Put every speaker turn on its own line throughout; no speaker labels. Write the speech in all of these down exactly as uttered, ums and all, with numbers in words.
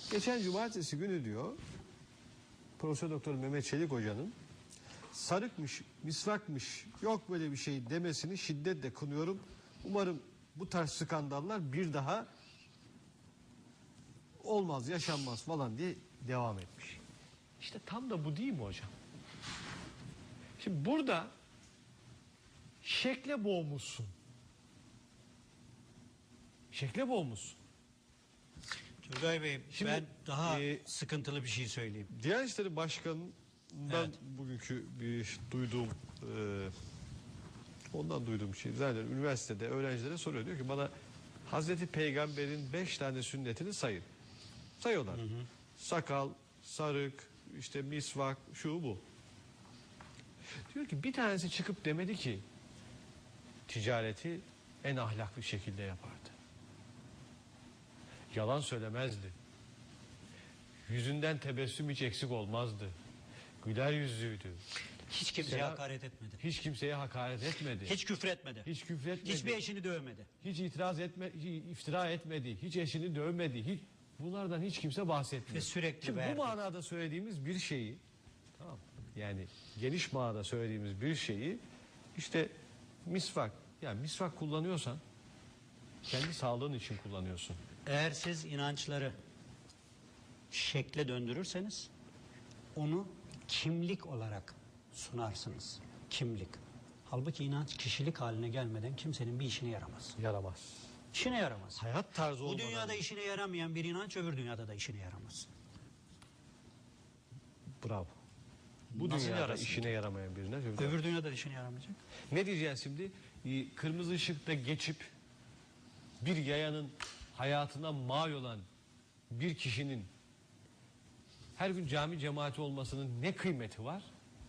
Geçen cumartesi günü diyor Profesör Doktor Mehmet Çelik Hoca'nın sarıkmış, misvakmış, yok böyle bir şey demesini şiddetle kınıyorum. Umarım bu tarz skandallar bir daha olmaz, yaşanmaz falan diye devam etmiş. İşte tam da bu değil mi hocam? Şimdi burada şekle boğmuşsun. Şekle boğmuşsun.
Turgay Bey,
Şimdi,
ben daha
e,
sıkıntılı bir şey söyleyeyim.
Diyanet İşleri Başkanı'ndan
Evet.
bugünkü bir duyduğum e, ondan duyduğum şey zaten üniversitede öğrencilere soruyor, diyor ki bana Hazreti Peygamber'in beş tane sünnetini sayın. Sayıyorlar. Hı hı. Sakal, sarık, işte misvak, şu bu. Diyor ki bir tanesi çıkıp demedi ki ticareti en ahlaklı şekilde yapardı. Yalan söylemezdi. Yüzünden tebessüm hiç eksik olmazdı. Güler yüzlüydü.
Hiç kimseye
Selam,
hakaret etmedi.
Hiç kimseye hakaret etmedi.
Hiç küfür etmedi.
Hiç küfür etmedi.
Hiçbir eşini dövmedi.
Hiç itiraz etme, hiç iftira etmedi. Hiç eşini dövmedi. Hiç bunlardan hiç kimse bahsetmiyor.
Ve sürekli
Şimdi
verdi.
bu manada söylediğimiz bir şeyi, tamam, yani geniş manada söylediğimiz bir şeyi işte misvak, yani misvak kullanıyorsan kendi sağlığın için kullanıyorsun.
Eğer siz inançları şekle döndürürseniz onu kimlik olarak sunarsınız. Kimlik. Halbuki inanç kişilik haline gelmeden kimsenin bir işine yaramaz.
Yaramaz.
İşine yaramaz.
Hayat tarzı
Bu
olmadan.
dünyada işine yaramayan bir inanç öbür dünyada da işine yaramaz.
Bravo. Bu
Nasıl
dünyada
yarasın?
işine yaramayan birine. Öbür
Öbür dünyada da işine yaramayacak.
Ne diyeceğiz şimdi? Ee, Kırmızı ışıkta geçip bir yayanın hayatına mal olan bir kişinin her gün cami cemaati olmasının ne kıymeti var?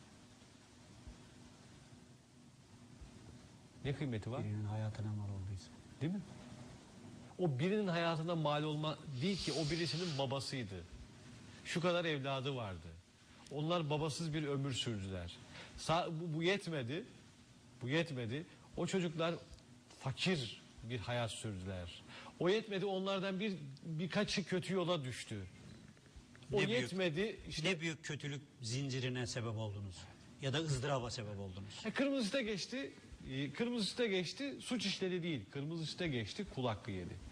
Ne kıymeti var?
Birinin hayatına mal olduysa.
Değil mi? O birinin hayatına mal olma değil ki, o birisinin babasıydı. Şu kadar evladı vardı. Onlar babasız bir ömür sürdüler. Sa bu, bu yetmedi. Bu yetmedi. O çocuklar fakir bir hayat sürdüler. O yetmedi, onlardan bir birkaçı kötü yola düştü. O
Ne
yetmedi.
Büyük,
işte
ne büyük kötülük zincirine sebep oldunuz. Ya da ızdıraba sebep oldunuz.
e, kırmızı ışıkta geçti. E, kırmızı ışıkta geçti. Suç işledi değil. Kırmızı ışıkta geçti. Kul hakkı yedi.